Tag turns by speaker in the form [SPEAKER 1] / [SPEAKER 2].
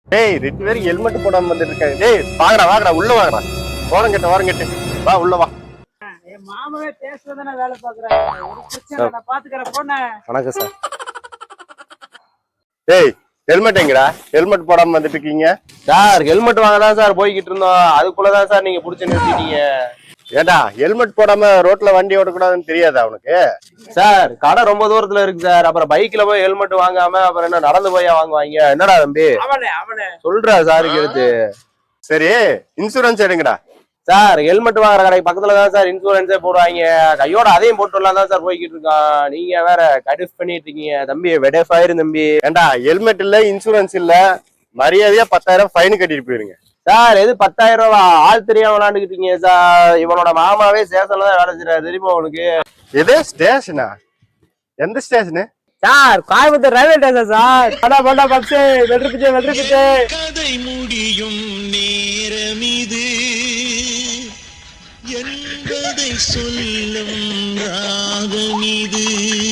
[SPEAKER 1] டேய் 2 பேரும் ஹெல்மெட் போடாம வந்துட்டு இருக்காங்க. டேய் வாங்கடா உள்ள வாங்கடா. ஓரங்கட்டு வா உள்ள வா.
[SPEAKER 2] என் மாமாவே பேசுறதானே வேலை பாக்குறாங்க. ஒரு பிரச்சனை நான் பாத்துக்கறேன் போனே.
[SPEAKER 1] வணக்கம் சார். டேய் ஹெல்மெட் எங்கடா? ஹெல்மெட் போடாம வந்துட்டு இருக்கீங்க
[SPEAKER 3] சார். ஹெல்மெட் வாங்க தான் சார் போய்கிட்டு இருந்தோம். அதுக்குள்ளதான் சார் நீங்க புடிச்சு நிறுத்திட்டீங்க.
[SPEAKER 1] ஏடா ஹெல்மெட் போடாம ரோட்ல வண்டி ஓடக்கூடாதுன்னு தெரியாதா உனக்கு?
[SPEAKER 3] சார் கடை ரொம்ப தூரத்துல இருக்கு சார். அப்புறம் பைக்ல போய் ஹெல்மெட் வாங்காம அப்புறம் என்ன நடந்து போய் வாங்குவாங்க? என்னடா தம்பி
[SPEAKER 2] அவனே
[SPEAKER 3] சொல்றா சாருக்கு எடுத்து.
[SPEAKER 1] சரி இன்சூரன்ஸ் எடுங்கடா.
[SPEAKER 3] சார் ஹெல்மெட் வாங்குற கடைக்கு பக்கத்துல தான் சார் இன்சூரன்ஸே போடுவாங்க. கையோட அதையும் போட்டுலாம் தான் சார் போய்கிட்டு இருக்கான். நீங்க வேற கடிஃப் பண்ணிட்டு இருக்கீங்க தம்பி. வெடஃபாயிரு தம்பி.
[SPEAKER 1] ஏண்டா ஹெல்மெட் இல்ல இன்சூரன்ஸ் இல்ல, மரியாதையா 10,000 ஃபைன் கட்டிட்டு போயிருங்க.
[SPEAKER 3] சார் எது 10,000 ரூபா? ஆள் தெரியாம விளாண்டுக்கிட்டீங்க சார். இவனோட மாமாவே ஸ்டேஷன்ல தான் வேலை செய்யறாரு தெரியுமா உனக்கு?
[SPEAKER 1] எது ஸ்டேஷனா? எந்த station
[SPEAKER 2] sir? Coimbatore railway station sir. Bonda puffs வெற்றி
[SPEAKER 4] கதை முடியும் நேரம் இது என்பதை சொல்லும் ராகம் இது.